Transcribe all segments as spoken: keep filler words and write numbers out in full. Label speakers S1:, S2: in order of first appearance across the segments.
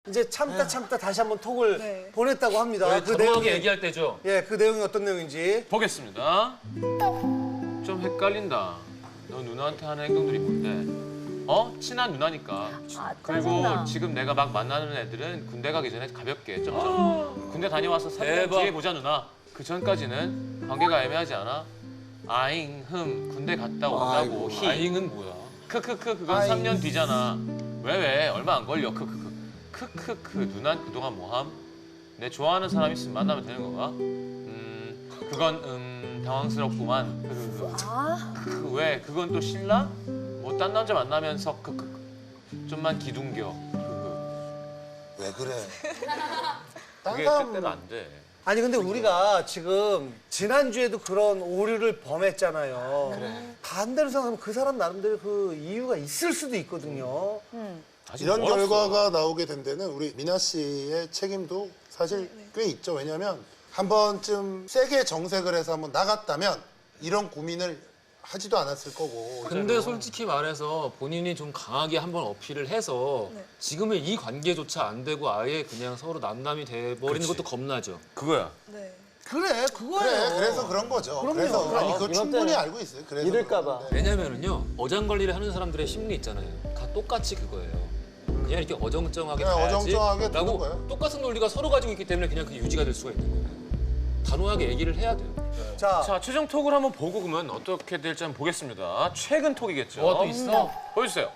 S1: 이제 참다 참다 다시 한번 톡을
S2: 네.
S1: 보냈다고 합니다.
S3: 그 내용이 얘기할 때죠.
S1: 예, 그 내용이 어떤 내용인지
S4: 보겠습니다. 좀 헷갈린다. 너 누나한테 하는 행동들이 뭔데? 어? 친한 누나니까.
S5: 아,
S4: 그리고
S5: 짜증나.
S4: 지금 내가 막 만나는 애들은 군대 가기 전에 가볍게 점점. 군대 다녀와서 삼 년
S3: 대박.
S4: 뒤에 보자 누나. 그 전까지는 관계가 애매하지 않아? 아잉 흠 군대 갔다 온다고 히.
S3: 아잉은 뭐야?
S4: 크크크 그건
S1: 아잉.
S4: 삼 년 뒤잖아. 왜 왜? 얼마 안 걸려. 크크크. 크크크 누난 그동안 뭐함? 내 좋아하는 사람 있으면 만나면 되는 건가? 음 그건 음 당황스럽구만. 크크크.
S5: 아,
S4: 그 왜? 그건 또 신랑? 뭐 딴 남자 만나면서 크크크. 좀만 기둥겨. 크크.
S6: 왜 그래?
S4: 그게
S6: 딴 사람
S4: 뜻대로 안 돼.
S1: 아니 근데 우리가 지금 지난주에도 그런 오류를 범했잖아요.
S6: 그래.
S1: 반대로 생각하면 그 사람 나름대로 그 이유가 있을 수도 있거든요.
S5: 음.
S4: 아직
S6: 이런
S4: 멀었어.
S6: 결과가 나오게 된 데는 우리 미나 씨의 책임도 사실 꽤 있죠. 왜냐하면 한 번쯤 세게 정색을 해서 한번 나갔다면 이런 고민을 하지도 않았을 거고.
S3: 근데 솔직히 말해서 본인이 좀 강하게 한번 어필을 해서
S2: 네.
S3: 지금의 이 관계조차 안 되고 아예 그냥 서로 남남이 돼버리는
S4: 그치.
S3: 것도 겁나죠.
S4: 그거야.
S2: 네.
S1: 그래, 그거예요.
S6: 그래, 그래서 그런 거죠.
S1: 그럼요.
S6: 그래서 아니 그거
S7: 이번
S6: 충분히
S7: 때는
S6: 알고 있어요. 그래서
S7: 이럴까 봐.
S6: 그러는데.
S3: 왜냐면은요 어장관리를 하는 사람들의 심리 있잖아요. 다 똑같이 그거예요. 그냥 이렇게 어정쩡하게
S6: 그냥
S3: 가야지
S6: 어정쩡하게 두는
S3: 라고
S6: 거예요.
S3: 똑같은 논리가 서로 가지고 있기 때문에 그냥 그게 유지가 될 수가 있는 거예요. 단호하게 얘기를 해야 돼요.
S1: 자,
S4: 자 최종 톡을 한번 보고 그러면 어떻게 될지 한번 보겠습니다. 최근 톡이겠죠.
S3: 어, 또 있어?
S4: 보여주세요.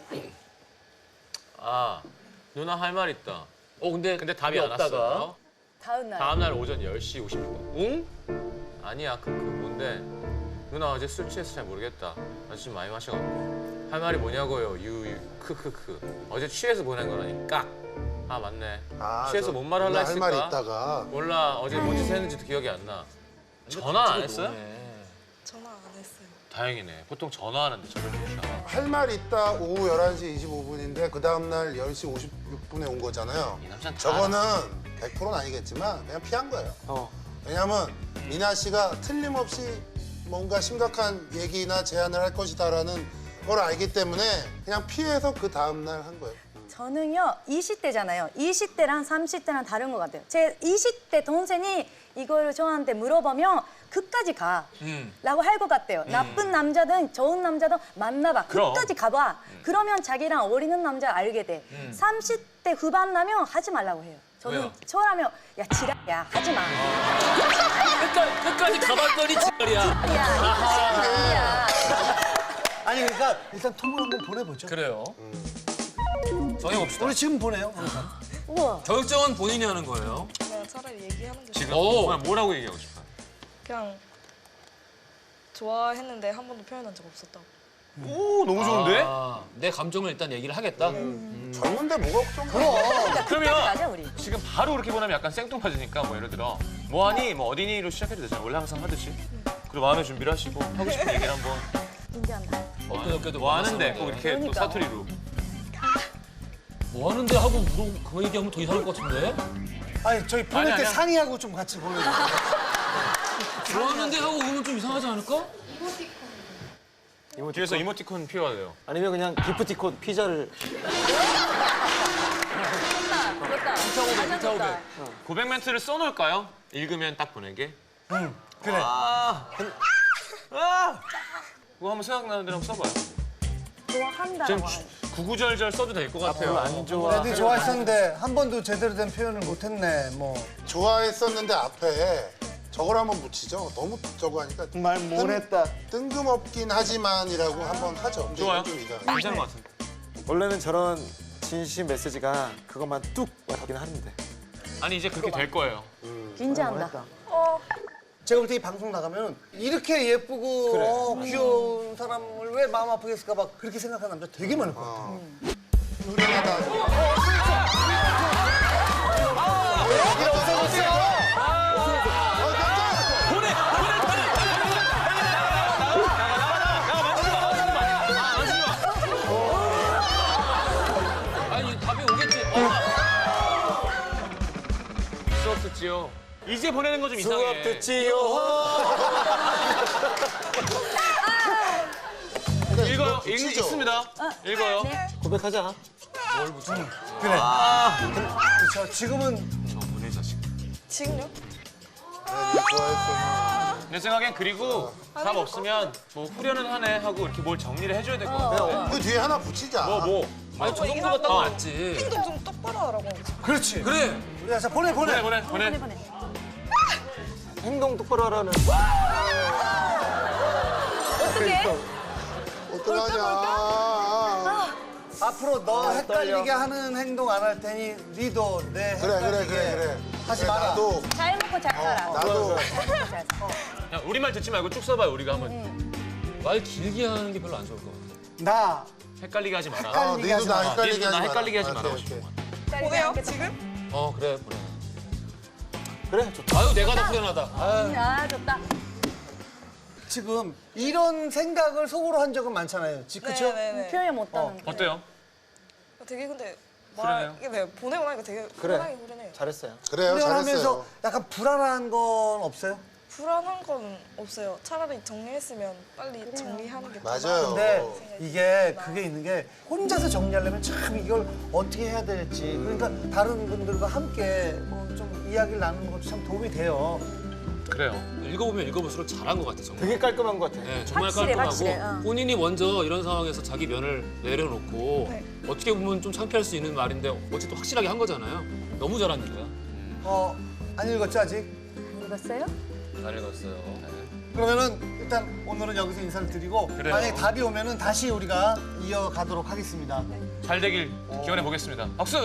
S4: 아 누나 할 말 있다.
S3: 어 근데
S4: 근데 답이 안
S3: 없다가
S4: 왔어요.
S5: 다음 날.
S4: 다음 날 오전 열 시 오십육 분. 응? 아니야, 그, 그 뭔데? 누나 어제 술 취해서 잘 모르겠다. 아주 좀 많이 마셔갖고. 할 말이 뭐냐고요, 유, 유, 크크크. 어제 취해서 보낸 거라니까. 아, 맞네.
S6: 아,
S4: 취해서
S6: 저
S4: 뭔 말을 하려
S6: 할
S4: 했을까?
S6: 말이 있다가
S4: 몰라, 어제 뭔 짓을 했는지도 기억이 안 나. 전화 안 했어요?
S2: 전화 안 했어요.
S4: 다행이네. 보통 전화하는데 저를 못
S6: 할 말 있다 오후 열한 시 이십오 분인데 그 다음날 열 시 오십육 분에 온 거잖아요.
S4: 이 남자는 다
S6: 저거는 백 퍼센트는 아니겠지만 그냥 피한 거예요.
S7: 어.
S6: 왜냐하면 미나 씨가 틀림없이 뭔가 심각한 얘기나 제안을 할 것이다라는 걸 알기 때문에 그냥 피해서 그 다음날 한 거예요.
S5: 저는요 이십 대잖아요. 이십 대랑 삼십 대랑 다른 것 같아요. 제 이십 대 동생이 이거를 저한테 물어보면 끝까지 가
S3: 음.
S5: 라고 할 것 같아요. 나쁜 남자든 좋은 남자든 만나봐.
S4: 그럼.
S5: 끝까지 가봐. 그러면 자기랑 어리는 남자 알게 돼. 삼십 대 후반 나면 하지 말라고 해요. 저는
S3: 왜요?
S5: 저라면 야 지랄이야 하지 마.
S3: 끝까지, 끝까지 가봤더니 지랄이야.
S5: 야, 야.
S1: 아니 그러니까 일단 톡을 한번 보내보죠.
S3: 그래요. 정해봅시다.
S1: 우리 지금 보내요. 그러니까.
S5: 우와.
S3: 결정은 본인이 하는 거예요.
S2: 그냥 차라리 얘기하는 게
S4: 지금
S3: 오.
S4: 뭐라- 뭐라고 얘기하고 싶어요?
S2: 그냥 좋아했는데 한 번도 표현한 적 없었다고.
S4: 오, 너무 좋은데?
S3: 아, 내 감정을 일단 얘기를 하겠다.
S6: 젊은데 뭐가 걱정돼?
S5: 그러니까 끝까지
S4: 그러면
S5: 가자 우리.
S4: 지금 바로 그렇게 보내면 약간 생뚱맞으니까 뭐 예를 들어 뭐하니? 뭐 어디니?로 시작해도 되잖아요. 원래 항상 하듯이. 그리고 마음의 준비를 하시고 하고 싶은 얘기를 한번
S5: 인정한다.
S3: 엊그저께도
S4: 뭐 하는데
S3: 만났었는데.
S4: 꼭 이렇게 또
S5: 그러니까.
S4: 사투리로.
S3: 뭐 하는데 하고 물어 그 얘기하면 더 이상할 것 같은데?
S1: 아니 저희 보낼
S4: 아니,
S1: 때
S4: 아니야.
S1: 상의하고 좀 같이 보내요.
S3: 뭐 하는데 하고 그러면 좀 이상하지 않을까?
S4: 뒤에서 이모티콘 필요하대요.
S7: 아니면 그냥 기프티콘 피자를
S5: 좋다.
S3: 피타오백, 피타오백.
S4: 고백 멘트를 써놓을까요? 읽으면 딱 보내게.
S1: 응, 그래.
S4: 아, 아, 그거 한번 생각나는 대로 한번 써봐요.
S5: 좋아한다라고
S4: 지금
S5: 하는.
S4: 구구절절 써도 될 것 같아요.
S7: 안 좋아.
S1: 애들이 좋아했었는데 한 번도 제대로 된 표현을 못했네. 뭐
S6: 좋아했었는데 앞에 저걸 한번 붙이죠. 너무 저거 하니까
S7: 말 못했다.
S6: 뜬금없긴 하지만이라고 한번 하죠. 근데
S4: 좋아요.
S6: 이건 좀 이상해.
S4: 괜찮은 것 같은데.
S7: 원래는 저런 진심 메시지가 그것만 뚝 와닿긴 하는데.
S4: 아니 이제 그렇게 될 거예요.
S5: 긴장한다.
S1: 제가 볼 때 이 방송 나가면 이렇게 예쁘고
S7: 그래.
S1: 어, 귀여운 사람을 왜 마음 아프게 했을까 봐 그렇게 생각하는 남자 되게 많을 것 같아요.
S3: 아니 답이 오겠지.
S4: 수업 듣지요. 이제 보내는 거 좀 이상해.
S7: 수업 듣지요.
S4: 읽어요. 읽,
S6: 붙이죠.
S4: 읽습니다. 읽어요.
S5: 네.
S7: 고백하자.
S1: 그래. 그렇죠. 지금은
S4: 저 보내자 지금.
S2: 지금요?
S6: 네, 좋아했어.
S4: 내 생각엔 그리고 답 없으면 뭐 후련은 하네 하고 이렇게 뭘 정리를 해줘야 될 것 같아.
S6: 그 뒤에 하나 붙이자.
S4: 뭐 뭐.
S3: 아니 저 정도가 딱 맞지.
S2: 행동 좀 똑바로 하라고.
S1: 그렇지.
S3: 그래.
S1: 야, 자 보내 보내.
S4: 보내 보내 보내.
S5: 보내.
S7: 행동 똑바로 하라는.
S5: 어떻게?
S6: 어떡하냐.
S1: 앞으로 너
S7: 아,
S1: 헷갈리게
S7: 떨려.
S1: 하는 행동 안 할 테니 니도 내
S6: 그래, 그래,
S1: 헷갈리게
S6: 그래, 그래.
S1: 하지
S6: 그래,
S1: 마라.
S6: 나도,
S5: 잘 먹고 잘 살아.
S6: 나도.
S5: 잘 먹고 잘 살아.
S4: 야, 우리말 듣지 말고 쭉 써봐요. 우리가 한번
S3: 말 길게 하는 게 별로 안 좋을 것 같아.
S1: 나
S4: 헷갈리게 하지 마라.
S6: 아,
S1: 헷갈리게
S6: 니도
S1: 하지
S6: 나
S1: 마.
S6: 헷갈리게
S4: 니도
S6: 하지
S4: 나
S6: 마라.
S4: 헷갈리게 하지
S6: 아,
S4: 마라.
S6: 오케이, 오케이.
S2: 보내요? 지금?
S3: 어 그래 보내.
S7: 그래 좋다.
S3: 아유 내가 더 후련하다. 아유.
S5: 아 좋다.
S1: 지금 이런 생각을 속으로 한 적은 많잖아요. 지- 그쵸?
S2: 네네네.
S5: 표현 못하는. 거.
S4: 어때요?
S2: 되게 근데
S4: 후련해요?
S2: 말 이게 네, 보내고 나니까 되게
S7: 그래.
S2: 후련하게 후련해요.
S7: 잘했어요.
S6: 그래요,
S1: 훈련하면서
S6: 잘했어요.
S1: 약간 불안한 건 없어요?
S2: 불안한 건 없어요. 차라리 정리했으면 빨리 정리하는 게 더
S6: 맞아요.
S2: 나아요.
S1: 근데 이게 그게 있는 게 혼자서 정리하려면 참 이걸 어떻게 해야 될지 그러니까 다른 분들과 함께 뭐 좀 이야기를 나누는 것도 참 도움이 돼요.
S4: 그래요.
S3: 읽어보면 읽어볼수록 잘한 것 같아 정말.
S7: 되게 깔끔한 것 같아.
S3: 네, 정말
S5: 확실해,
S3: 깔끔하고
S5: 확실해, 어.
S3: 본인이 먼저 이런 상황에서 자기 면을 내려놓고
S2: 네.
S3: 어떻게 보면 좀 창피할 수 있는 말인데 어쨌든 확실하게 한 거잖아요. 너무 잘한 거야.
S1: 어, 안 읽었죠 아직?
S5: 읽었어요?
S3: 잘 읽었어요.
S1: 그러면은 일단 오늘은 여기서 인사를 드리고
S4: 그래요.
S1: 만약에 답이 오면은 다시 우리가 이어가도록 하겠습니다.
S4: 잘 되길 기원해 보겠습니다. 박수.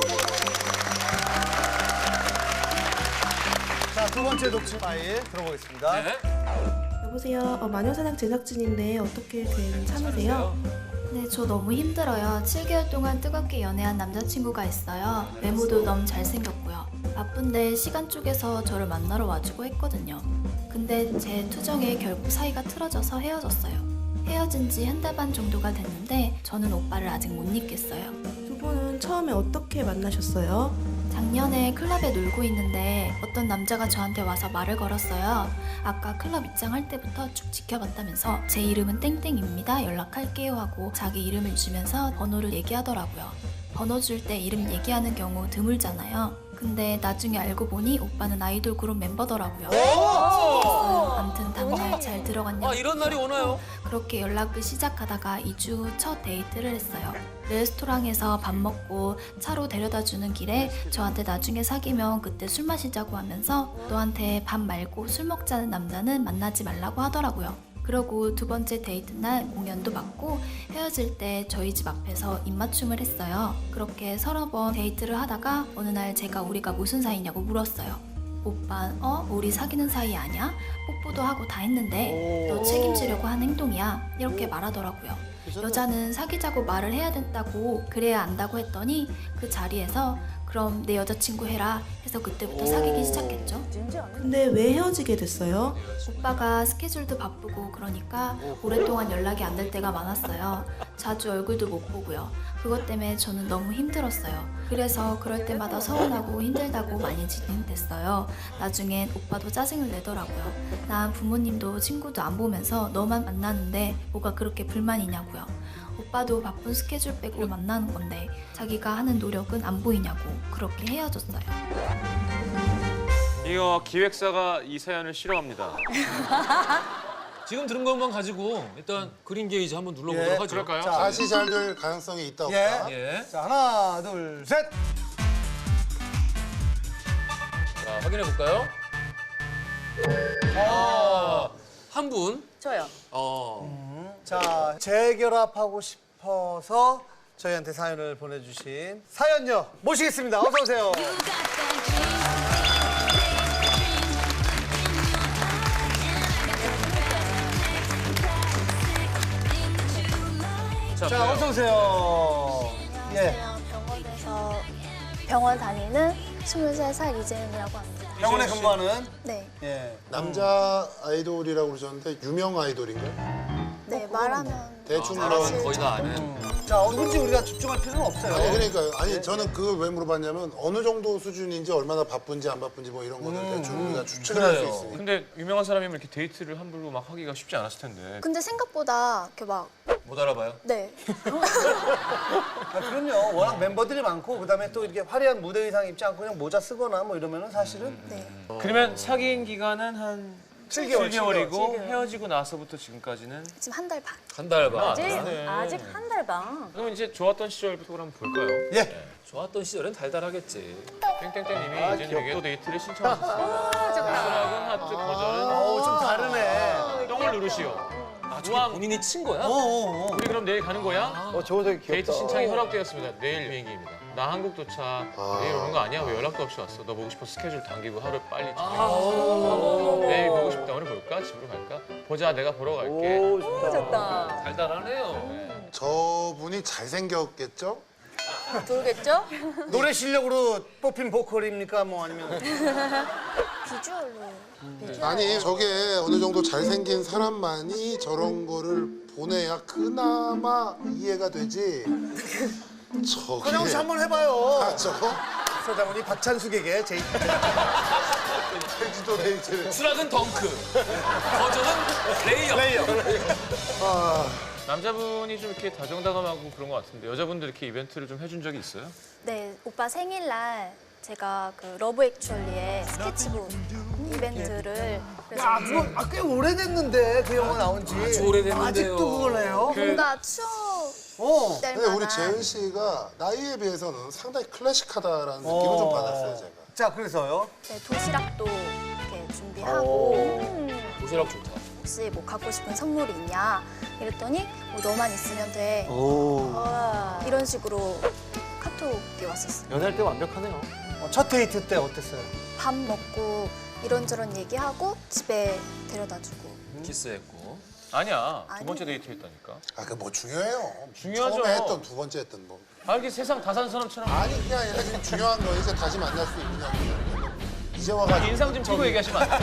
S1: 자, 두 번째 독침 파일 들어보겠습니다.
S3: 네.
S8: 여보세요. 어, 마녀사냥 제작진인데 어떻게 된 참으세요?
S9: 네, 저 너무 힘들어요. 칠 개월 동안 뜨겁게 연애한 남자친구가 있어요. 외모도 너무 잘생겼고요. 바쁜데 시간 쪼개서 저를 만나러 와주고 했거든요. 근데 제 투정에 결국 사이가 틀어져서 헤어졌어요. 헤어진 지 한 달 반 정도가 됐는데 저는 오빠를 아직 못 잊겠어요.
S8: 두 분은 처음에 어떻게 만나셨어요?
S9: 작년에 클럽에 놀고 있는데 어떤 남자가 저한테 와서 말을 걸었어요. 아까 클럽 입장할 때부터 쭉 지켜봤다면서 제 이름은 땡땡입니다. 연락할게요 하고 자기 이름을 주면서 번호를 얘기하더라고요. 번호 줄 때 이름 얘기하는 경우 드물잖아요. 근데 나중에 알고 보니 오빠는 아이돌 그룹 멤버더라고요. 아무튼 다음날 잘 들어갔냐고
S3: 아 이런 날이 오나요?
S9: 그렇게 연락을 시작하다가 이 주 후 첫 데이트를 했어요. 레스토랑에서 밥 먹고 차로 데려다 주는 길에 저한테 나중에 사귀면 그때 술 마시자고 하면서 너한테 밥 말고 술 먹자는 남자는 만나지 말라고 하더라고요. 그러고 두 번째 데이트 날 공연도 받고 헤어질 때 저희 집 앞에서 입맞춤을 했어요. 그렇게 서너 번 데이트를 하다가 어느 날 제가 우리가 무슨 사이냐고 물었어요. 오빠, 어? 우리 사귀는 사이 아니야? 뽀뽀도 하고 다 했는데 너 책임지려고 한 행동이야. 이렇게 말하더라고요. 여자는 사귀자고 말을 해야 된다고 그래야 안다고 했더니 그 자리에서 그럼 내 여자친구 해라 해서 그때부터 사귀기 시작했죠.
S8: 근데 왜 헤어지게 됐어요?
S9: 오빠가 스케줄도 바쁘고 그러니까 오랫동안 연락이 안 될 때가 많았어요. 자주 얼굴도 못 보고요. 그것 때문에 저는 너무 힘들었어요. 그래서 그럴 때마다 서운하고 힘들다고 많이 진행됐어요. 나중엔 오빠도 짜증을 내더라고요. 난 부모님도 친구도 안 보면서 너만 만나는데 뭐가 그렇게 불만이냐고요. 오빠도 바쁜 스케줄 빼고 만나는 건데 자기가 하는 노력은 안 보이냐고 그렇게 헤어졌어요.
S4: 이거 기획사가 이 사연을 싫어합니다.
S3: 지금 들은 것만 가지고 일단 그린 게이지 한번 눌러보도록
S1: 예,
S3: 하죠.
S4: 그럴까요?
S1: 자,
S6: 다시 잘 될 가능성이 있다,
S1: 예.
S6: 없다.
S3: 예.
S1: 자, 하나, 둘, 셋.
S3: 자 확인해 볼까요? 아, 한 분.
S5: 저요.
S3: 어.
S1: 자, 재결합하고 싶어서 저희한테 사연을 보내주신 사연녀 모시겠습니다. 어서 오세요.
S4: 자,
S1: 자, 어서 오세요. 예.
S10: 안녕하세요. 병원에서 병원 다니는 스물세 살 이재은이라고 합니다.
S1: 병원에 근무하는
S10: 네,
S1: 예.
S6: 남자 아이돌이라고 그러셨는데 유명 아이돌인가요?
S10: 네 말하면
S6: 대충
S3: 사람은
S6: 뭐.
S3: 거의 다 아는.
S1: 자, 누군지 우리가 집중할 필요는 없어요.
S6: 아니 그러니까요. 아니 저는 그걸 왜 물어봤냐면 어느 정도 수준인지 얼마나 바쁜지 안 바쁜지 뭐 이런 거를 대충 우리가 추측을 할 수
S3: 그래요.
S6: 있으니까.
S4: 근데 유명한 사람이면 이렇게 데이트를 함부로 막 하기가 쉽지 않았을 텐데.
S10: 근데 생각보다 이렇게 막
S3: 못 알아봐요?
S10: 네.
S1: 아, 그럼요. 워낙 멤버들이 많고 그다음에 또 이렇게 화려한 무대 의상 입지 않고 그냥 모자 쓰거나 뭐 이러면은 사실은
S10: 네.
S11: 그러면 사귄 기간은 한
S1: 칠 개월,
S11: 칠 개월이고
S1: 칠 개월.
S11: 헤어지고 나서부터 지금까지는
S10: 지금 한 달 반.
S3: 한 달 반.
S5: 아직
S11: 네.
S5: 아직 한 달 반.
S11: 그럼 이제 좋았던 시절부터 한번 볼까요?
S1: 예.
S3: 좋았던 시절엔 달달하겠지.
S11: 땡땡땡님이
S1: 아,
S11: 이제 되게 또 데이트를 신청하셨습니다. 수락은 하트 거절은
S1: 어우 좀 다르네.
S11: 똥을 누르시오.
S3: 아, 저게 본인이 친 거야?
S1: 어어어.
S11: 우리 그럼 내일 가는 거야?
S7: 어, 저거 되게 귀엽다.
S11: 데이트 신청이 허락되었습니다. 내일 비행기입니다. 나 한국 도착. 내일 오는 거 아니야? 왜 연락도 없이 왔어? 너 보고 싶어 스케줄 당기고 하루 빨리 아 내일 보고 싶다. 오늘 볼까? 집으로 갈까? 보자. 내가 보러 갈게.
S7: 오, 좋다.
S5: 좋다.
S3: 달달하네요.
S6: 저분이 잘생겼겠죠?
S5: 모르겠죠?
S1: 노래 실력으로 뽑힌 보컬입니까? 뭐 아니면
S10: 비주얼로.
S6: 아니 저게 어느 정도 잘생긴 사람만이 저런 거를 보내야 그나마 이해가 되지. 저게
S1: 그냥 씨 한번 해봐요.
S6: 아, 저거
S1: 서장훈이 박찬숙에게 제
S6: 제주도 데이트를
S3: 수락은 덩크. 거절은 레이업.
S1: 레이어.
S11: 남자분이 좀 이렇게 다정다감하고 그런 것 같은데 여자분들 이렇게 이벤트를 좀 해준 적이 있어요?
S10: 네, 오빠 생일날 제가 그 러브 액츄얼리의 스케치북 이벤트를 그래서
S1: 야, 그거 아, 꽤 오래됐는데 그 영화 나온 지.
S3: 아주 오래됐는데요.
S1: 아직도 그걸 해요?
S10: 뭔가 추억
S1: 어.
S10: 될
S6: 근데 우리
S10: 만한
S6: 재은 씨가 나이에 비해서는 상당히 클래식하다라는 느낌을 좀 받았어요 제가.
S1: 자, 그래서요.
S10: 네, 도시락도 이렇게 준비하고
S3: 도시락 좋다.
S10: 혹시 뭐 갖고 싶은 선물이 있냐 이랬더니 뭐 너만 있으면 돼
S7: 오.
S10: 이런 식으로 카톡이 왔었어요.
S7: 연애할 때 완벽하네요.
S1: 어, 첫 데이트 때 어땠어요?
S10: 밥 먹고 이런저런 얘기하고 집에 데려다주고
S3: 키스했고.
S11: 아니야. 두
S10: 아니.
S11: 번째 데이트 했다니까.
S6: 아, 그 뭐 중요해요.
S11: 중요하죠.
S6: 처음에 했던 두 번째 했던 뭐.
S11: 아, 이렇게 세상 다 산 사람처럼
S6: 아니 그게 아니라 지금 중요한 거 이제 다시 만날 수 있느냐. 이제 와가지고
S11: 인상 좀 찌고 얘기하시면 안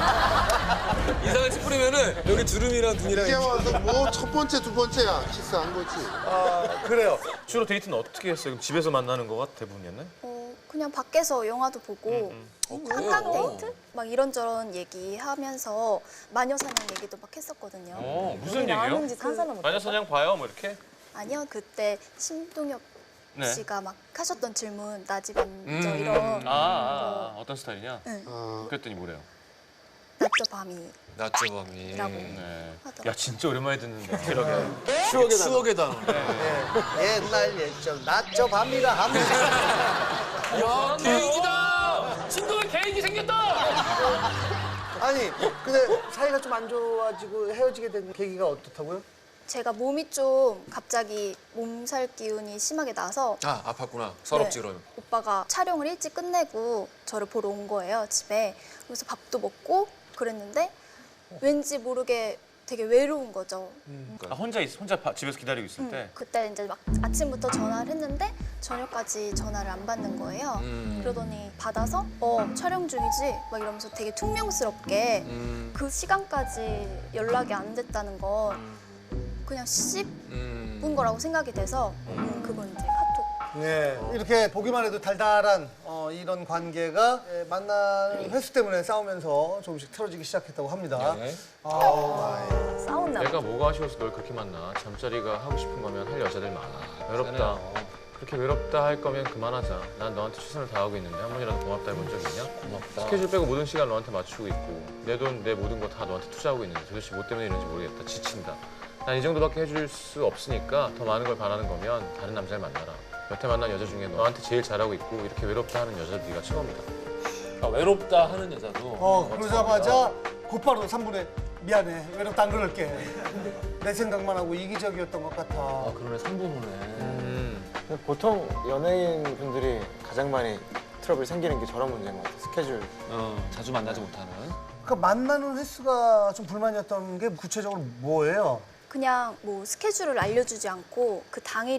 S11: 돼요?
S3: 인상을 찌푸리면은 여기 주름이랑 눈이랑
S6: 이제 와서 뭐 첫 번째 두 번째야 키스한 거지.
S1: 아, 그래요.
S11: 주로 데이트는 어떻게 했어요? 그럼 집에서 만나는 거가 대부분이었나요?
S10: 어, 그냥 밖에서 영화도 보고 한강 데이트? 막 이런저런 얘기하면서 마녀사냥 얘기도 막 했었거든요.
S11: 어, 무슨 얘기요?
S5: 나오는지 상상을 못.
S11: 마녀사냥 봐요? 뭐 이렇게?
S10: 아니요, 그때 심동엽
S11: 네.
S10: 씨가 막 하셨던 질문 나 집 앉아
S3: 음.
S10: 이런
S11: 아, 아, 아, 어떤 스타일이냐?
S10: 응.
S6: 어,
S11: 그랬더니 뭐래요?
S10: 낮저 밤이
S3: 낮저밤이.
S10: 라고.
S11: 네.
S10: 하더라고요.
S11: 야, 진짜 오랜만에 듣는다. 그러게.
S7: 추억의 단어.
S3: 추억의 단어.
S1: 예, 옛날 예적 낮저 밤이라 하면
S3: 야, 계획이다. 친구가 계획이 생겼다.
S1: 아니 근데 사이가 좀 안 좋아지고 헤어지게 된 계기가 어떻다고요?
S10: 제가 몸이 좀 갑자기 몸살 기운이 심하게 나서
S3: 아, 아팠구나. 서럽지
S10: 네,
S3: 그러면.
S10: 오빠가 촬영을 일찍 끝내고 저를 보러 온 거예요, 집에. 그래서 밥도 먹고 그랬는데 왠지 모르게 되게 외로운 거죠.
S11: 아, 혼자 있, 혼자 바- 집에서 기다리고 있을
S10: 음,
S11: 때.
S10: 그때 이제 막 아침부터 전화를 했는데 저녁까지 전화를 안 받는 거예요.
S3: 음.
S10: 그러더니 받아서 어 촬영 중이지 막 이러면서 되게 퉁명스럽게
S3: 음.
S10: 그 시간까지 연락이 안 됐다는 건 그냥 씹은
S3: 음.
S10: 거라고 생각이 돼서 음, 그건 이제 카톡.
S1: 네, 이렇게 보기만 해도 달달한 어, 이런 관계가 예, 만나는 횟수 때문에 싸우면서 조금씩 틀어지기 시작했다고 합니다.
S3: 네.
S5: 싸웠나 봐.
S11: 내가 뭐가 아쉬워서 널 그렇게 만나? 잠자리가 하고 싶은 거면 할 여자들 많아. 외롭다. 그렇게 외롭다 할 거면 그만하자. 난 너한테 최선을 다하고 있는데 한 번이라도 고맙다 해본 적 있냐?
S3: 고맙다.
S11: 스케줄 빼고 모든 시간 너한테 맞추고 있고 내 돈, 내 모든 거 다 너한테 투자하고 있는데 도대체 뭐 때문에 이런지 모르겠다. 지친다. 난 이 정도밖에 해줄 수 없으니까 더 많은 걸 바라는 거면 다른 남자를 만나라. 여태 만난 여자 중에 너한테 제일 잘하고 있고 이렇게 외롭다 하는 여자도 네가 처음이다.
S3: 아, 외롭다 하는 여자도.
S1: 어, 그러자마자 곧바로 삼 분에 미안해, 외롭다 안 그럴게. 내 생각만 하고 이기적이었던 것 같아.
S3: 아, 그러네. 삼 분 후네.
S11: 음.
S7: 보통 연예인 분들이 가장 많이 트러블 생기는 게 저런 문제인 것 같아요. 스케줄.
S3: 어, 자주 만나지 못하는.
S1: 그러니까 만나는 횟수가 좀 불만이었던 게 구체적으로 뭐예요?
S10: 그냥 뭐 스케줄을 알려주지 않고 그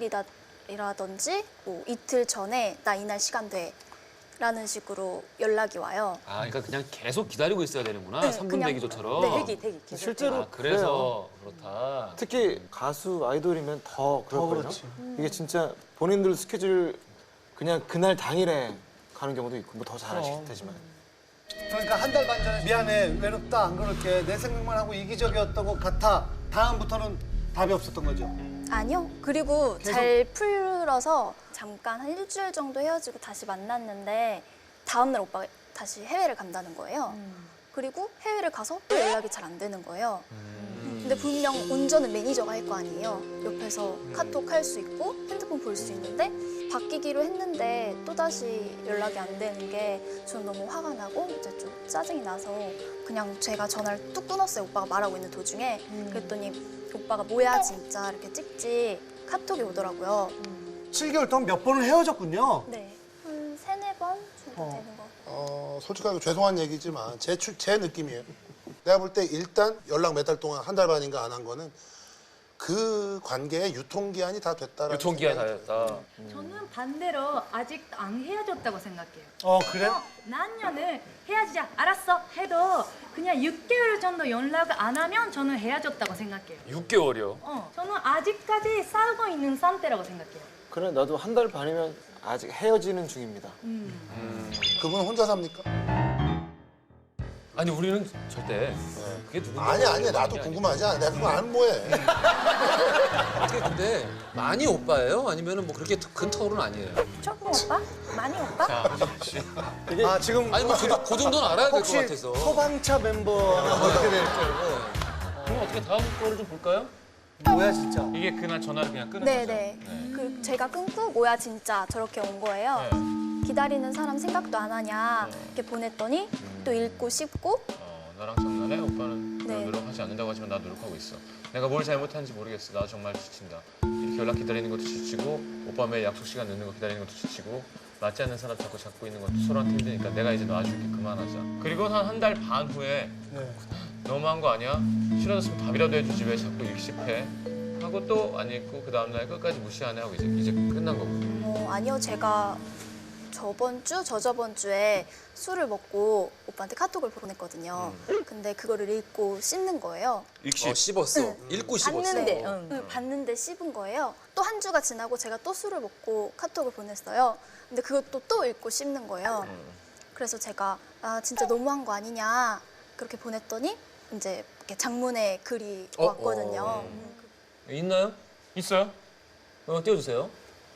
S10: 당일이라든지 뭐 이틀 전에 나 이날 시간 돼 라는 식으로 연락이 와요.
S3: 아, 그러니까 그냥 계속 기다리고 있어야 되는구나.
S10: 네,
S3: 삼 분
S10: 그냥-
S3: 대기조처럼.
S10: 네,
S5: 대기 대기. 계속.
S7: 실제로
S3: 아, 그래서 그렇다.
S7: 특히 가수 아이돌이면 더 그렇거든요.
S1: 그렇지.
S7: 이게 진짜 본인들 스케줄 그냥 그날 당일에 가는 경우도 있고 뭐 더 잘하실 테지만.
S1: 그러니까 한 달 반 전에 미안해, 외롭다 안 그럴게, 내 생각만 하고 이기적이었던 것 같아. 다음부터는 답이 없었던 거죠.
S10: 아니요. 그리고 잘 풀어서 잠깐 한 일주일 정도 헤어지고 다시 만났는데 다음날 오빠가 다시 해외를 간다는 거예요. 그리고 해외를 가서 또 연락이 잘 안 되는 거예요. 근데 분명 운전은 매니저가 할 거 아니에요. 옆에서 카톡 할 수 있고 핸드폰 볼 수 있는데 바뀌기로 했는데 또다시 연락이 안 되는 게 전 너무 화가 나고 이제 좀 짜증이 나서 그냥 제가 전화를 뚝 끊었어요. 오빠가 말하고 있는 도중에. 그랬더니 오빠가 뭐야 진짜 이렇게 찍지 카톡이 오더라고요.
S1: 칠 개월 동안 몇 번을 헤어졌군요.
S10: 네. 한 세네 번 정도
S1: 어.
S10: 되는 거.
S6: 어, 솔직하게 죄송한 얘기지만 제, 추- 제 느낌이에요. 내가 볼 때 일단 연락 몇 달 동안 한 달 반인가 안 한 거는 그 관계의 유통기한이 다 됐다라는
S3: 유통기한
S6: 생각이
S3: 다였다.
S5: 저는 반대로 아직 안 헤어졌다고 생각해요.
S1: 어 그래?
S5: 어, 남녀는 헤어지자 알았어 해도 그냥 육 개월 정도 연락을 안 하면 저는 헤어졌다고 생각해요.
S3: 육 개월이요.
S5: 어, 저는 아직까지 싸우고 있는 상태라고 생각해요.
S7: 그래 나도 한 달 반이면 아직 헤어지는 중입니다.
S6: 그분은 혼자 삽니까?
S3: 아니 우리는 절대 그게 누군지
S6: 아니 아니 나도 궁금하지 않아. 내가 그거 안 뭐해.
S3: 어떻게 근데 많이 오빠예요? 아니면은 뭐 그렇게 큰 터울은 아니에요?
S5: 조금 오빠? 많이 오빠?
S1: 아 지금
S3: 아니 뭐 그 그 정도는 알아야 될 것
S1: 혹시
S3: 같아서.
S1: 소방차 멤버는 어떻게 될지
S3: 그럼 어떻게 다음 거를 좀 볼까요?
S1: 뭐야 진짜.
S11: 이게 그날 전화를 그냥 끊은
S10: 네네. 그 제가 끊고 뭐야 진짜 저렇게 온 거예요. 기다리는 사람 생각도 안 하냐 이렇게 보냈더니 또 읽고 씹고
S11: 어, 나랑 장난해? 오빠는
S10: 네.
S11: 노력하지 않는다고 하지만 나 노력하고 있어. 내가 뭘 잘못하는지 모르겠어. 나 정말 지친다. 이렇게 연락 기다리는 것도 지치고 오빠 매일 약속 시간 늦는 거 기다리는 것도 지치고 맞지 않는 사람 자꾸 잡고 있는 것도 서로한테 힘드니까 내가 이제 놔줄게. 그만하자. 그리고 한 한 달 반 후에
S1: 네.
S11: 너무한 거 아니야? 싫어졌으면 답이라도 해주지 왜 자꾸 읽씹해? 하고 또 안 읽고 그 다음날 끝까지 무시하네 하고 이제 이제 끝난 거고.
S10: 어, 아니요 제가 저번 주 저저번 주에 술을 먹고 오빠한테 카톡을 보냈거든요. 근데 그거를 읽고 씹는 거예요.
S3: 어, 씹었어. 읽고 씹었어.
S5: 봤는데,
S3: 어.
S5: 응.
S10: 응, 봤는데 씹은 거예요. 또 한 주가 지나고 제가 또 술을 먹고 카톡을 보냈어요. 근데 그것도 또 읽고 씹는 거예요. 그래서 제가 아 진짜 너무한 거 아니냐 그렇게 보냈더니 이제 이렇게 장문의 글이
S3: 어,
S10: 왔거든요.
S3: 어.
S10: 음,
S3: 있나요?
S11: 있어요?
S3: 어, 띄워주세요.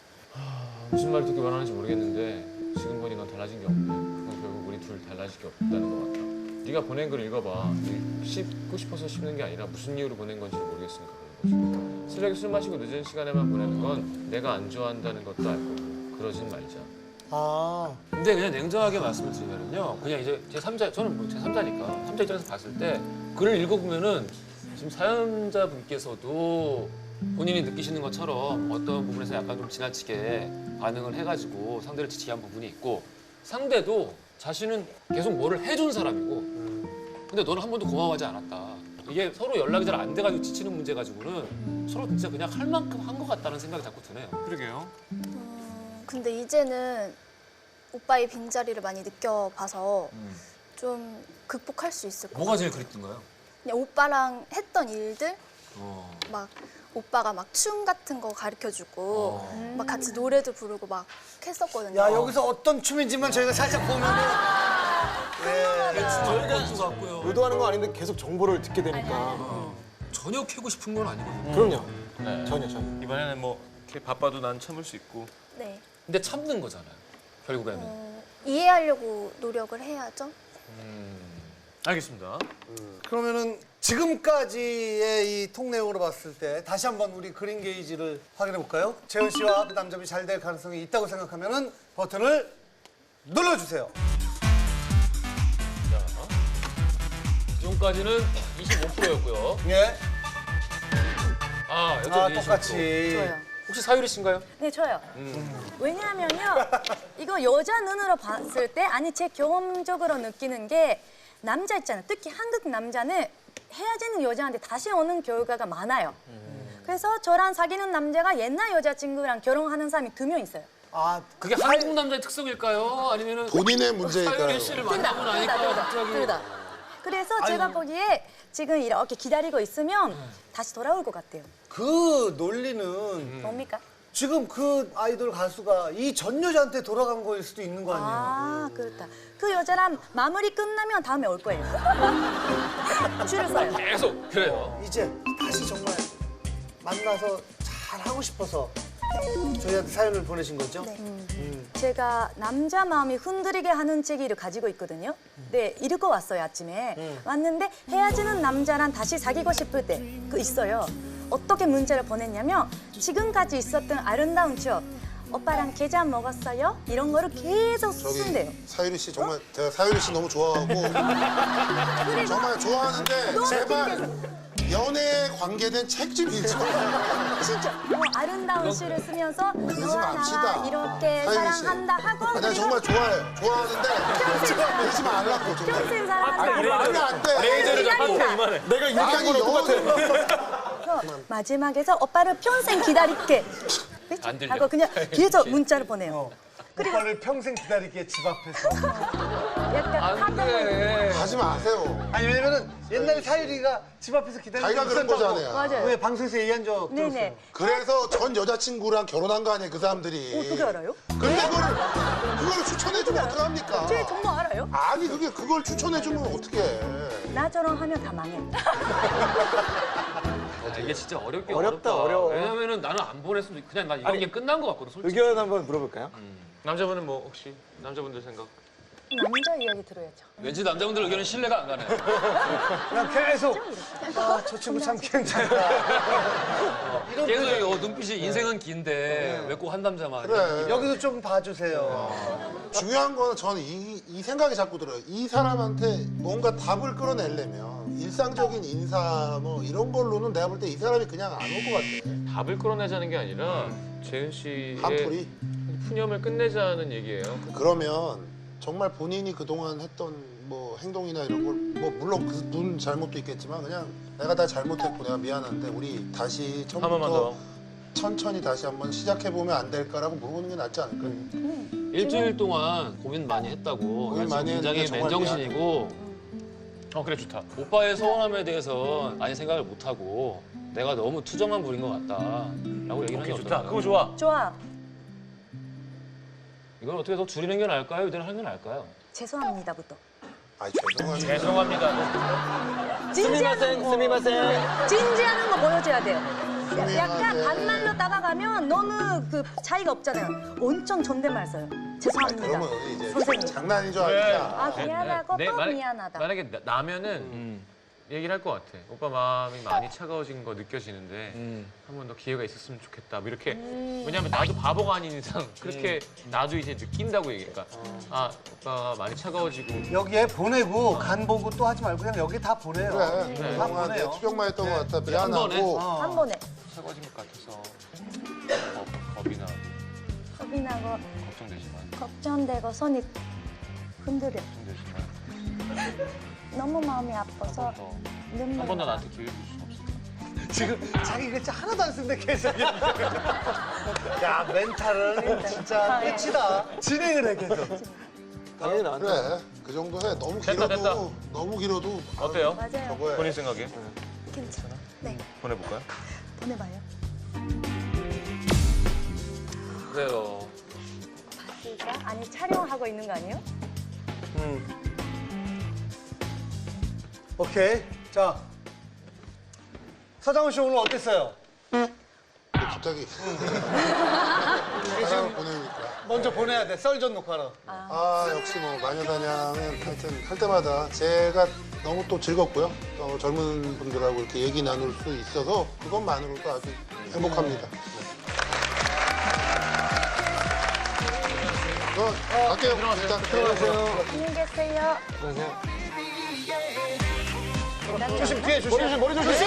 S11: 무슨 말 듣기 원하는지 모르겠는데 지금 보니 넌 달라진 게 없네. 그건 결국 우리 둘 달라질 게 없다는 것 같아. 네가 보낸 글 읽어봐. 씹고 싶어서 씹는 게 아니라 무슨 이유로 보낸 건지 모르겠으니까 그런 거지. 쓰레기 술 마시고 늦은 시간에만 보내는 건 내가 안 좋아한다는 것도 알고 그러진 말자.
S1: 아
S3: 근데 그냥 냉정하게 말씀을 드리면요. 그냥 이제 제 삼자, 저는 뭐 제 삼자니까 삼자 입장에서 봤을 때 글을 읽어보면은 지금 사연자분께서도 본인이 느끼시는 것처럼 어떤 부분에서 약간 좀 지나치게 반응을 해가지고 상대를 지치게 한 부분이 있고 상대도 자신은 계속 뭐를 해준 사람이고 근데 너는 한 번도 고마워하지 않았다. 이게 서로 연락이 잘 안 돼가지고 지치는 문제 가지고는 서로 진짜 그냥 할 만큼 한 것 같다는 생각이 자꾸 드네요.
S11: 그러게요.
S10: 음, 근데 이제는 오빠의 빈자리를 많이 느껴봐서 좀 극복할 수 있을 것 같아요.
S3: 뭐가 제일 그립던가요?
S10: 그냥 오빠랑 했던 일들
S3: 어.
S10: 막 오빠가 막 춤 같은 거 가르쳐주고
S3: 어.
S10: 막 같이 노래도 부르고 막 했었거든요.
S1: 야 여기서 어떤 춤인지만 저희가 살짝 보면은 예.
S3: 저희가 것 같고요.
S7: 의도하는 거 아닌데 계속 정보를 듣게 되니까.
S3: 전혀 캐고 싶은 건 아니거든요.
S7: 그럼요.
S11: 네.
S7: 전혀 전혀.
S11: 이번에는 뭐 이렇게 바빠도 난 참을 수 있고.
S10: 네.
S3: 근데 참는 거잖아요. 결국에는.
S10: 어, 이해하려고 노력을 해야죠.
S11: 알겠습니다.
S1: 그러면은 지금까지의 이 통 내용으로 봤을 때 다시 한번 우리 그린 게이지를 확인해 볼까요? 재현 씨와 남점이 잘 될 가능성이 있다고 생각하면은 버튼을 눌러주세요.
S3: 지금까지는 이십오 퍼센트였고요.
S1: 예.
S3: 아, 여전히
S1: 아
S3: 이십오 퍼센트.
S1: 똑같이.
S5: 좋아요.
S3: 혹시 사유리 씨인가요?
S5: 네, 저요. 왜냐하면요, 이거 여자 눈으로 봤을 때, 아니, 제 경험적으로 느끼는 게, 남자 있잖아요. 특히 한국 남자는 헤어지는 여자한테 다시 오는 결과가 많아요. 그래서 저랑 사귀는 남자가 옛날 여자친구랑 결혼하는 사람이 두 명 있어요.
S1: 아
S3: 그게 한국 남자의 특성일까요? 아니면은
S6: 본인의 문제일까요?
S3: 사유리 씨를 만나고 나니까 갑자기
S5: 둘 다. 그래서 제가 보기에 지금 이렇게 기다리고 있으면 다시 돌아올 것 같아요.
S1: 그 논리는
S5: 뭡니까?
S1: 지금 그 아이돌 가수가 이 전 여자한테 돌아간 거일 수도 있는 거 아니에요?
S5: 아, 그렇다. 그 여자랑 마무리 끝나면 다음에 올 거예요. 줄을 서요.
S3: 계속 그래요.
S1: 이제 다시 정말 만나서 잘 하고 싶어서 저희한테 사연을 보내신 거죠?
S5: 네.
S1: 음.
S5: 제가 남자 마음이 흔들리게 하는 책을 가지고 있거든요. 네, 읽고 왔어요, 아침에.
S1: 음.
S5: 왔는데 헤어지는 남자랑 다시 사귀고 싶을 때 그 있어요. 어떻게 문자를 보냈냐면 지금까지 있었던 아름다운 추억. 오빠랑 게장 먹었어요? 이런 거를 계속 쓴대요.
S6: 저기 사유리 씨 정말 제가 사유리 씨 너무 좋아하고 정말 좋아하는데
S5: 너무
S6: 제발 연애에 관계된 책 좀 읽지 마.
S5: 진짜 뭐 아름다운 시를 쓰면서
S6: 그러지
S5: 너와
S6: 맙시다.
S5: 나와 이렇게
S6: 사유리 씨.
S5: 사랑한다 하고
S6: 아니, 나
S5: 그리고
S6: 정말 좋아해요. 좋아하는데 그러지 말라고 정말.
S5: 평생 사랑한다
S6: 아니 안 돼.
S3: 레이저를 잡고 이만해.
S7: 내가 이렇게 한
S6: 아니
S7: 거랑 똑같아.
S5: 그래서 마지막에서 오빠를 평생 기다릴게
S3: 안 들려.
S5: 하고 그냥 계속 문자를 보내요.
S1: 오빠를 평생 기다리게 집 앞에서.
S5: 약간
S3: 안 돼.
S6: 하지 마세요.
S1: 아니 왜냐면은 옛날에 사유리가 집 앞에서 기다리고
S6: 자기가 그런
S1: 있었다고.
S6: 거잖아요.
S5: 맞아요.
S1: 왜 방송에서 얘기한 적 들었어요.
S5: 네네.
S6: 그래서 전 여자친구랑 결혼한 거 아니에요, 그 사람들이.
S5: 어떻게 알아요?
S6: 근데 그걸, 그걸 추천해주면 어떡합니까?
S5: 쟤 정말 알아요?
S6: 아니, 그게 그걸 추천해주면 어떡해.
S5: 나처럼 하면 다 망해.
S3: 아, 이게 진짜 어렵게
S7: 어렵다,
S3: 어렵다.
S7: 어려워.
S3: 왜냐면은 나는 안 보냈으면 그냥 나 이런
S7: 아니,
S3: 게 끝난 것 같거든, 솔직히.
S7: 의견 한번 물어볼까요?
S11: 남자분은 뭐 혹시 남자분들 생각?
S5: 남자 이야기 들어야죠.
S3: 왠지 남자분들 의견은 신뢰가 안 가네.
S1: 그냥 계속 아, 저 친구 참 괜찮다. 이런
S3: 계속
S1: 표정.
S3: 어, 눈빛이 인생은 긴데 왜 꼭 한 남자만.
S6: 그래.
S1: 여기서 좀 봐주세요.
S6: 중요한 거는 저는 이, 이 생각이 자꾸 들어요. 이 사람한테 뭔가 답을 끌어내려면 일상적인 인사 뭐 이런 걸로는 내가 볼 때 이 사람이 그냥 안 올 것 같아.
S11: 답을 끌어내자는 게 아니라 재은 씨의
S6: 한풀이.
S11: 푸념을 끝내자는 얘기예요.
S6: 그러면 정말 본인이 그동안 했던 뭐 행동이나 이런 걸 뭐 물론 그분 잘못도 있겠지만 그냥 내가 다 잘못했고 내가 미안한데 우리 다시
S11: 한 번만
S6: 처음부터
S11: 더.
S6: 천천히 다시 한번 시작해보면 안 될까라고 물어보는 게 낫지 않을까요?
S3: 일주일 동안 고민 많이 했다고.
S6: 고민
S3: 나
S6: 많이
S3: 지금 굉장히
S6: 했는데 정말
S3: 맨정신이고
S11: 어 그래 좋다.
S3: 오빠의 서운함에 대해서 많이 생각을 못 하고 내가 너무 투정만 부린 것 같다라고 얘기를 하는 게
S11: 좋다.
S3: 어떨까요?
S11: 그거 좋아.
S5: 좋아.
S3: 이걸 어떻게 더 줄이는 게 나을까요? 이대로 하는 게 나을까요?
S5: 죄송합니다부터.
S6: 아 죄송합니다.
S11: 죄송합니다.
S5: 진지하는 거.
S7: 스미마셍.
S5: 진지하는 거 보여줘야 돼요.
S6: 스미마셍.
S5: 약간 반말로 따라가면 너무 그 차이가 없잖아요. 엄청 존댓말 써요. 죄송합니다.
S6: 그러면 이제
S5: 선생님.
S6: 장난인 줄 아니까.
S5: 아 미안하고
S11: 네,
S5: 또
S11: 만약-
S5: 미안하다.
S11: 만약에 나, 나면은
S3: 음.
S11: 얘기를 할 것 같아. 오빠 마음이 많이 차가워진 거 느껴지는데
S3: 음.
S11: 한 번 더 기회가 있었으면 좋겠다. 뭐 이렇게 왜냐하면 나도 바보가 아닌 이상 그렇게 나도 이제 느낀다고 얘기니까 아 오빠가 많이 차가워지고
S1: 여기에 보내고 간 보고 또 하지 말고 그냥 여기 다 보내요.
S6: 그래.
S1: 다
S6: 그동안 내
S1: 보내요.
S6: 투병만 했던
S1: 네.
S6: 것 같아.
S3: 번에.
S6: 미안하고.
S1: 어.
S5: 한 번에
S11: 차가워진 것 같아서 겁, 겁이 나
S5: 겁이 나고
S11: 걱정되지만
S5: 걱정되고 손이 흔들려.
S11: 걱정되지만
S5: 너무 마음이 아파서 눈물.
S11: 한 번 더 나한테 기회를 줄 수 없을까?
S1: 지금 자기 글자 하나도 안 쓴데 계속. 야 멘탈은 진짜 끝이다. 진행을 해 계속.
S7: 당연히 나한테.
S6: 그래. 그 정도 해. 너무
S11: 됐다,
S6: 길어도
S11: 됐다.
S6: 너무 길어도
S11: 어때요?
S5: 맞아요.
S6: 저거 해.
S11: 본인 생각에
S5: 괜찮아. 네,
S11: 보내볼까요?
S5: 보내봐요.
S3: 그래요.
S5: 진짜? 아니 촬영하고 있는 거 아니에요?
S1: 음. 오케이. 자 서장훈 씨 오늘 어땠어요?
S6: 갑자기 사랑을 보내니까.
S1: 먼저 보내야 돼. 썰전 녹화로.
S6: 아 역시 뭐 마녀사냥은 하여튼 할 때마다 제가 너무 또 즐겁고요. 또 젊은 분들하고 이렇게 얘기 나눌 수 있어서 그것만으로도 아주 행복합니다. 네. 어, 갈게요. 일단 들어가세요.
S5: 안녕히 계세요.
S1: 조심 뒤에 조심.
S7: 머리 조심, 머리 조심.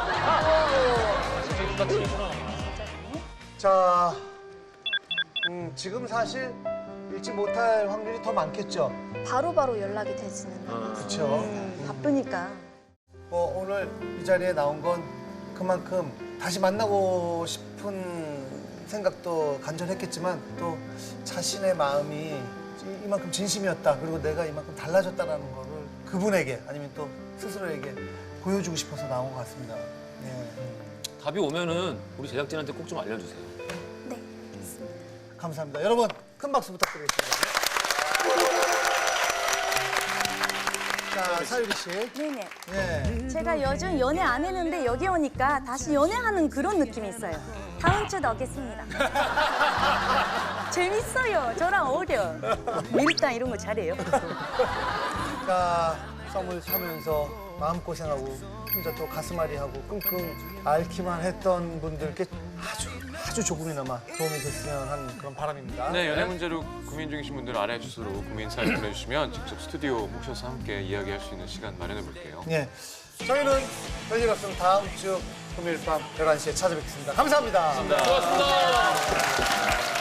S1: 자, 음, 지금 사실 읽지 못할 확률이 더 많겠죠.
S10: 바로바로 연락이 되지는 않아요.
S1: 그렇죠.
S5: 바쁘니까.
S1: 뭐 오늘 이 자리에 나온 건 그만큼 다시 만나고 싶은 생각도 간절했겠지만 또 자신의 마음이 이- 이만큼 진심이었다. 그리고 내가 이만큼 달라졌다라는 거를 그분에게 아니면 또 스스로에게 보여주고 싶어서 나온 것 같습니다. 네.
S3: 답이 오면은 우리 제작진한테 꼭 좀 알려주세요.
S10: 네.
S1: 감사합니다. 여러분 큰 박수 부탁드리겠습니다. 자, 사유리 씨.
S5: 네네.
S1: 예.
S5: 제가 요즘 연애 안 했는데 여기 오니까 다시 연애하는 그런 느낌이 있어요. 다음 주도 오겠습니다. 재밌어요. 저랑 어울려. 밀당 이런 거 잘해요.
S1: 자, 썸을 타면서 마음고생하고 혼자 또 가슴앓이하고 끙끙 앓기만 했던 분들께 아주 아주 조금이나마 도움이 됐으면 하는 그런 바람입니다.
S11: 네, 연애 문제로 고민 중이신 분들 아래 주소로 고민 사연 보내주시면 직접 스튜디오 모셔서 함께 이야기할 수 있는 시간 마련해 볼게요.
S1: 예. 저희는 별일 없으면 다음 주 금요일 밤 열한 시에 찾아뵙겠습니다. 감사합니다.
S3: 고맙습니다.